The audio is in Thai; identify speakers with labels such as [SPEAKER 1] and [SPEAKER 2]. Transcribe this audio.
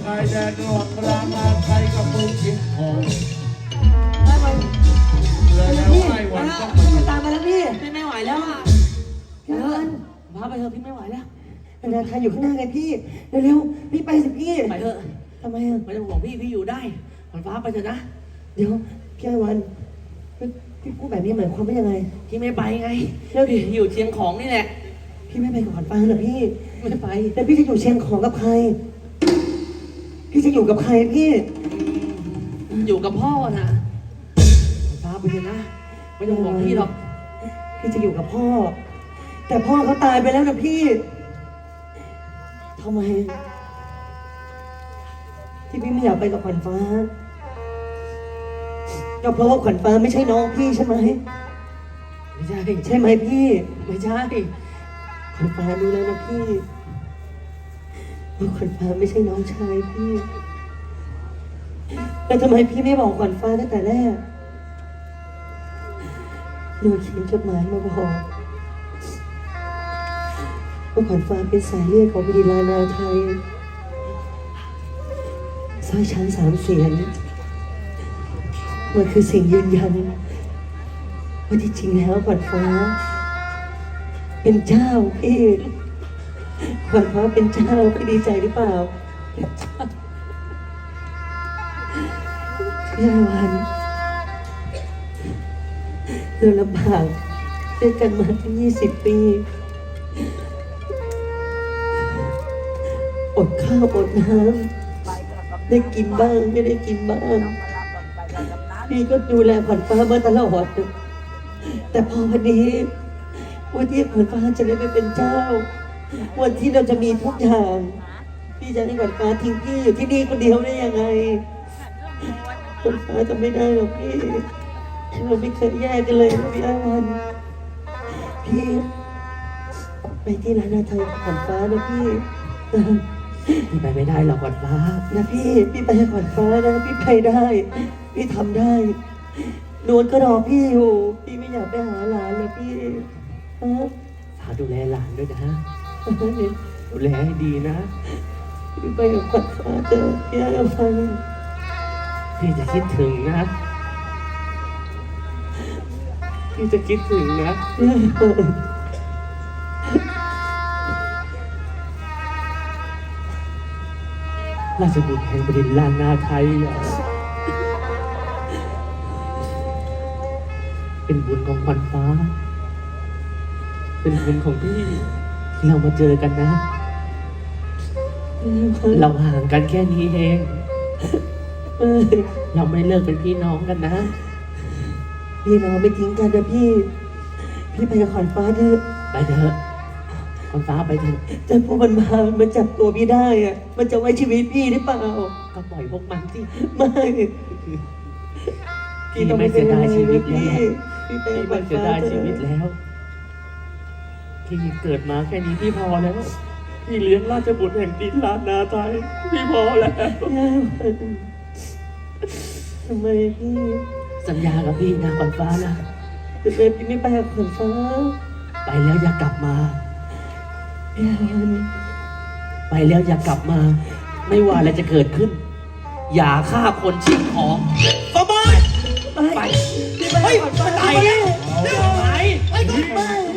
[SPEAKER 1] ายแดนระหว่างรามาไทยกับเมืองเชียงของเลยแล้วไอ้วันก็มาอยู่
[SPEAKER 2] ตามมาแล้วพี่
[SPEAKER 3] พี่ไม่ไหวแล้วอ่ะ
[SPEAKER 2] เดิน
[SPEAKER 3] พาไปเถอะพี่ไม่ไหวแล้ว
[SPEAKER 2] นานาไทยอยู่ข้างหน้าไงพี่เร็วๆพี่ไปสิพี่
[SPEAKER 3] ไปเถอะ
[SPEAKER 2] ทำไมอ่ะ
[SPEAKER 3] ไม่ต้องห่วงพี่อยู่ได้ขวัญฟ้าไปเถอะนะ
[SPEAKER 2] เดี๋ยวพี่ไอ้วันพี่พูดแบบนี้หมายความว่ายังไง
[SPEAKER 3] พี่ไม่ไปไง
[SPEAKER 2] แล้วดิ
[SPEAKER 3] พี่อยู่เชียงของนี่แหละ
[SPEAKER 2] พี่ไม่ไปกับขวัญฟ้าเหรอพี่
[SPEAKER 3] ไม่ไป
[SPEAKER 2] แล้วพี่จะอยู่เชียงของกับใคร พี่จะอยู่กับใครพี่
[SPEAKER 3] อยู่กับพ่อนะขวัญฟ้าไปเถอะนะไม่ต้องห่วงพี่หรอก
[SPEAKER 2] พี่จะอยู่กับพ่อ แต่พ่อเขาตายไปแล้วนะพี่ทำไมที่พี่ไม่อยากไปกับขวัญฟ้าก็เพราะว่าขวัญฟ้าไม่ใช่น้องพี่ใช่ไหม
[SPEAKER 3] ไม่ใช่
[SPEAKER 2] ใช่ไหมพี่
[SPEAKER 3] ไม่ใช่
[SPEAKER 2] ขวัญฟ้ารู้แล้วนะพี่ว่าขวัญฟ้าไม่ใช่น้องชายพี่แล้วทำไมพี่ไม่บอกขวัญฟ้าตั้งแต่แรกหนูเขียนจดหมายมาบอกว่าขวัญฟ้าเป็นสายเลือดของบดินทร์นาไทยสร้อยช้างสามเสียนมันคือสิ่งยืนยันว่าที่จริงแล้วขวัญฟ้า เป็นเจ้าพี่ขวัญฟ้าเป็นเจ้าพี่ดีใจหรือเปล่าพี่ไอวันเราลำบากด้วยกันมาตั้ง20 ปีอดข้าวอดน้ำได้กินบ้างไม่ได้กินบ้างพี่ก็ดูแลขวัญฟ้ามาตลอดแต่พอวันนี้วันที่ขวัญฟ้าจะได้ไปเป็นเจ้า วันที่เราจะมีทุกอย่างพี่จะให้ขวัญฟ้าทิ้งพี่อยู่ที่นี่คนเดียวได้ยังไงขวัญฟ้าจะไม่ได้หรอกพี่เราไม่เคยแยกกันเลยนะพี่อาวันพี่ไปที่ร้านอาไทยกับขวัญฟ้านะพี่
[SPEAKER 3] พี่ไปไม่ได้หรอกขวัญฟ้า
[SPEAKER 2] นะพี่ไปกับขวัญฟ้านะพี่ไปได้ พี่ทำได้นวลก็รอพี่อยู่พี่ไม่อยากไปหาหลานเลยพี่ฮะ
[SPEAKER 3] ฝากดูแลหลานด้วยนะ ดูแลให้ดีนะ
[SPEAKER 2] พี่ไปกับขวัญฟ้าเจอพี่อาวัน
[SPEAKER 3] พี่จะคิดถึงนะ พี่จะคิดถึงนะ ราชบุตรแห่งบดินทร์ล้านนาไทยเหรอเป็นบุญของขวัญฟ้า เป็นบุญของพี่ที่เรามาเจอกันนะ เราห่างกันแค่นี้เอง เราไม่เลิกเป็นพี่น้องกันนะ
[SPEAKER 2] พี่น้องไม่ทิ้งกันนะพี่ไปกับขวัญฟ้าเถอะ
[SPEAKER 3] ไปเถอะขวัญฟ้าไปเถอะ
[SPEAKER 2] แต่พวกมันมันจับตัวพี่ได้อะมันจะไว้ชีวิตพี่หรือเปล่า
[SPEAKER 3] ก็ปล่อยพวกมันสิ
[SPEAKER 2] ไม่
[SPEAKER 3] พี่ไม่เสียดายชีวิตแล้ว
[SPEAKER 2] พี่ไป
[SPEAKER 3] พี่
[SPEAKER 2] กับข
[SPEAKER 3] ไม่
[SPEAKER 2] วัญ
[SPEAKER 3] เสีย
[SPEAKER 2] ฟ้า
[SPEAKER 3] ดาย
[SPEAKER 2] เถ
[SPEAKER 3] ชีวิต
[SPEAKER 2] อะ
[SPEAKER 3] แล้วพี่เกิดมาแค่นี้พี่พอแล้ว พี่เลี้ยงราชบุตรแห่งดินล้านนาไทยพี่พอแล้ว
[SPEAKER 2] ทำไมพี่
[SPEAKER 3] สัญญากับพี่นะขวัญฟ้านะ
[SPEAKER 2] ทำไมพี่ไม่ไปกับขวัญฟ้า
[SPEAKER 3] ไปแล้วอย่ากลับมา
[SPEAKER 2] พี่อาวัน
[SPEAKER 3] ไปแล้วอย่ากลับมา ไม่ว่าอะไรจะเกิดขึ้น อย่าฆ่าคนชิงของสมบัติ
[SPEAKER 2] ไป
[SPEAKER 3] ไป
[SPEAKER 2] พี่ไปกับขวัญฟ้า
[SPEAKER 3] ไป
[SPEAKER 2] ไป
[SPEAKER 3] ไปไป
[SPEAKER 2] ไม่